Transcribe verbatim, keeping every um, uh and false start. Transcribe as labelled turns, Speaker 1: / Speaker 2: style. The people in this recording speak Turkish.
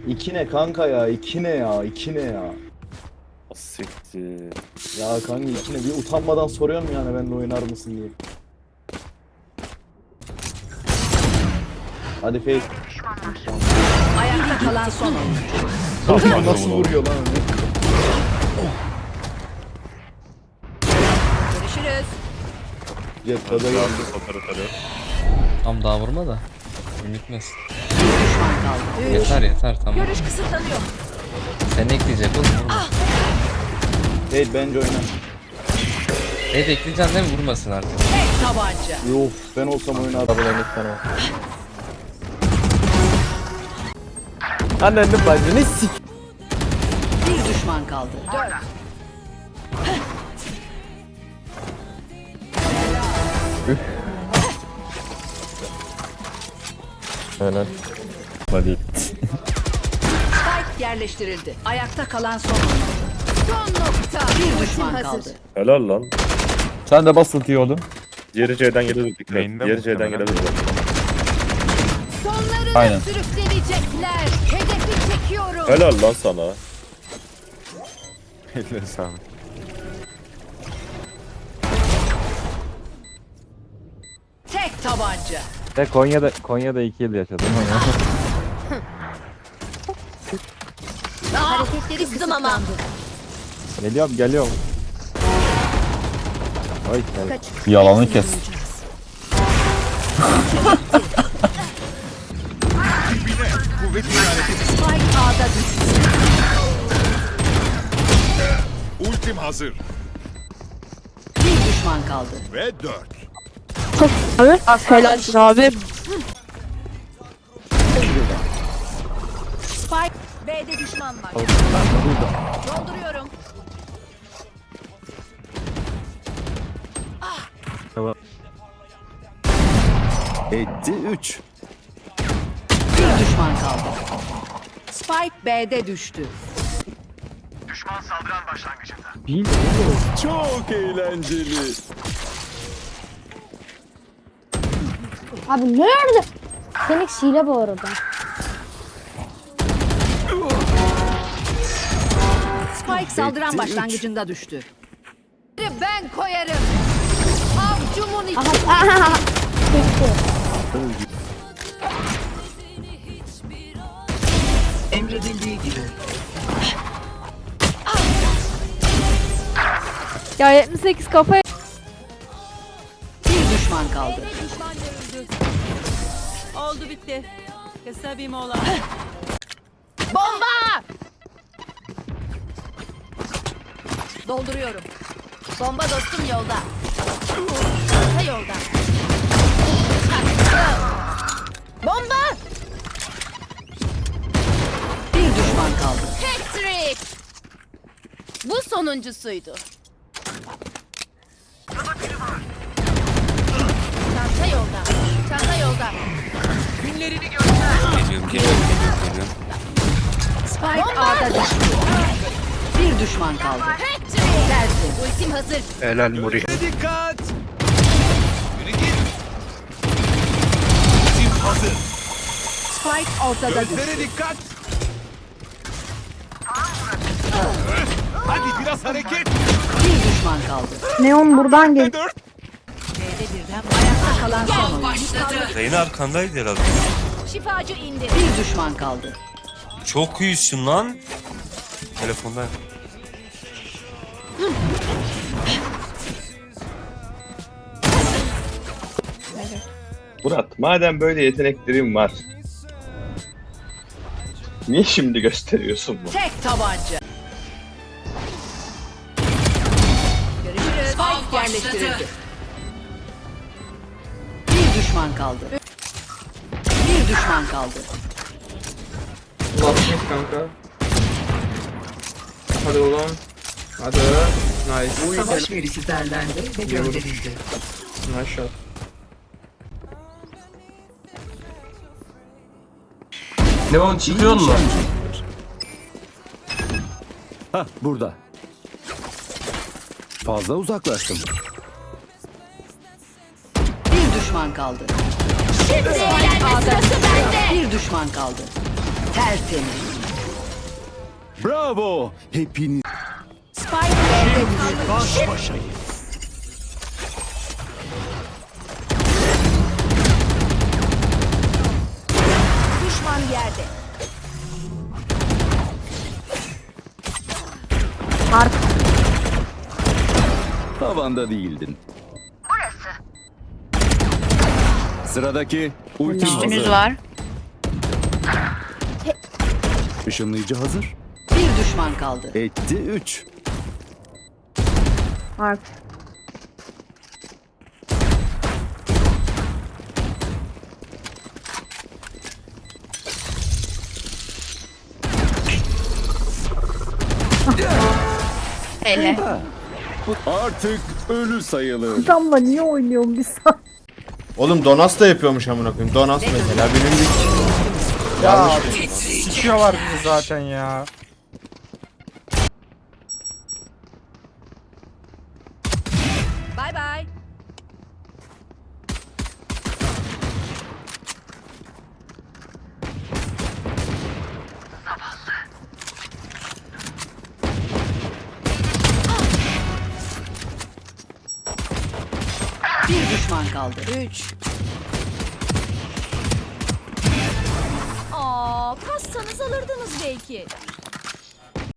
Speaker 1: İki ne kanka ya? İki ne ya? İki ne ya?
Speaker 2: Siktir.
Speaker 1: Ya kanka iki ne? Bir utanmadan soruyorum yani benimle oynar mısın diye. Hadi fake.
Speaker 3: Ayakta kalan son oyuncu.
Speaker 1: Nasıl vuruyor lan onu?
Speaker 3: Görüşürüz.
Speaker 1: Jet gaza geldi.
Speaker 2: Operatörü.
Speaker 4: Tam daha vurma da. Ünitmesin.
Speaker 3: Bir düşman kaldı. Üç.
Speaker 4: Yeter yeter tamam.
Speaker 3: Görüş kısıtlanıyor.
Speaker 4: Sen ekleyecek oğlum vurma.
Speaker 1: Hey bence oyna.
Speaker 4: Evet ekleyeceksin değil mi? Vurmasın artık.
Speaker 3: Tek tabanca.
Speaker 1: Yok ben olsam oynardım.
Speaker 2: Annenin bacını sik.
Speaker 3: Bir düşman kaldı. Dört.
Speaker 2: Helal. Hadi.
Speaker 3: Spike yerleştirildi. Ayakta kalan son oyuncu. Son nokta. Bir düşman kaldı.
Speaker 2: Helal lan.
Speaker 5: Sen de bas ultiyi oğlum.
Speaker 2: Diğeri C'den gelebilir. Dikkat.
Speaker 6: Main'de
Speaker 2: Diğeri C'den
Speaker 6: muhtemelen.
Speaker 2: gelebilir.
Speaker 3: Sonlarını
Speaker 5: Aynen.
Speaker 3: sürükleyecekler. Hedefi çekiyorum.
Speaker 2: Helal lan sana.
Speaker 6: Elleri sağlık.
Speaker 3: Tek tabanca.
Speaker 5: Ve Konya'da Konya'da iki yıl yaşadım ama.
Speaker 3: Hareketleri kızdım ama.
Speaker 5: Geliyorum geliyorum. Oy gel.
Speaker 7: Yalanı kes.
Speaker 3: Spike A'da düştü.
Speaker 8: Ultim hazır
Speaker 3: Bir düşman kaldı.
Speaker 8: ve dört.
Speaker 9: Abi, helalsin abi.
Speaker 3: Spike B'de düşman var. Dolduruyorum.
Speaker 8: Etti üç.
Speaker 3: Bir düşman kaldı. Spike B'de düştü.
Speaker 8: Çok eğlenceli.
Speaker 9: Abi nerede? Phoenix hile bu arada.
Speaker 3: Spike saldıran
Speaker 8: Etti
Speaker 3: başlangıcında düştü. Ben koyarım. Avcumun içi.
Speaker 9: Aha, aha. Çekti. Ya yetmiş sekiz kafa.
Speaker 3: Bir düşman kaldı.
Speaker 10: Oldu bitti. Kısa bir mola.
Speaker 3: Bomba! Dolduruyorum. Bomba dostum yolda. Çanta yolda. Bomba! Bir düşman kaldı.
Speaker 10: Patrick! Bu sonuncusuydu. Çanta yolda. Çanta yolda.
Speaker 4: Geliyorum geliyorum geliyorum geliyorum.
Speaker 3: Spike A'da düştü. Bir düşman kaldı.
Speaker 10: Patrick!
Speaker 3: Geldi.
Speaker 10: Ultim hazır.
Speaker 6: Helal Muri.
Speaker 8: Dikkat. Yürü git. Ultim hazır.
Speaker 3: Spike ortada düştü.
Speaker 8: Gözlere dikkat. Hadi biraz hareket.
Speaker 3: Bir düşman kaldı.
Speaker 9: Neon buradan gel.
Speaker 8: Dört.
Speaker 3: B'de birden ayakta kalan son oyuncu.
Speaker 4: Reyna arkandaydı herhalde.
Speaker 10: Şifacı indi.
Speaker 3: Bir düşman kaldı.
Speaker 4: Çok iyisin lan. Telefonda.
Speaker 2: Murat, madem böyle yeteneklerin var, niye şimdi gösteriyorsun bunu?
Speaker 3: Tek tabanca. Görüşürüz. Spike yerleştirildi. Bir düşman kaldı. Bir düşman kaldı.
Speaker 11: Kanka. Hadi oğlum. Hadi. Nice.
Speaker 3: Savaş verisi derlendi ve gönderildi.
Speaker 11: Nice shot.
Speaker 7: Leon çıkıyor mu?
Speaker 8: Hah burada. Fazla uzaklaştım.
Speaker 3: Bir düşman kaldı.
Speaker 10: Şimdi eğlenme sırası bende.
Speaker 3: Bir düşman kaldı. Tertemiz.
Speaker 8: Bravo. Hepiniz
Speaker 3: Spike B'de düştü.
Speaker 8: baş başayız.
Speaker 3: Düşman yerde.
Speaker 9: Ark.
Speaker 8: Tavanda değildin. Burası. Sıradaki ultim hazır.
Speaker 3: var.
Speaker 8: Işınlayıcı hazır.
Speaker 3: Bir düşman kaldı.
Speaker 8: Etti üç.
Speaker 9: Ark.
Speaker 3: Hele.
Speaker 8: Artık ölü sayılır.
Speaker 9: Adamla niye oynuyorum bir saat?
Speaker 1: Oğlum Donas da yapıyormuş amına koyayım. Donas mesela bilindik.
Speaker 5: Ya sikiyorlar bizi zaten ya.
Speaker 10: Bay bay.
Speaker 3: Bir düşman kaldı. Üç.
Speaker 10: Aa, kassanız alırdınız belki.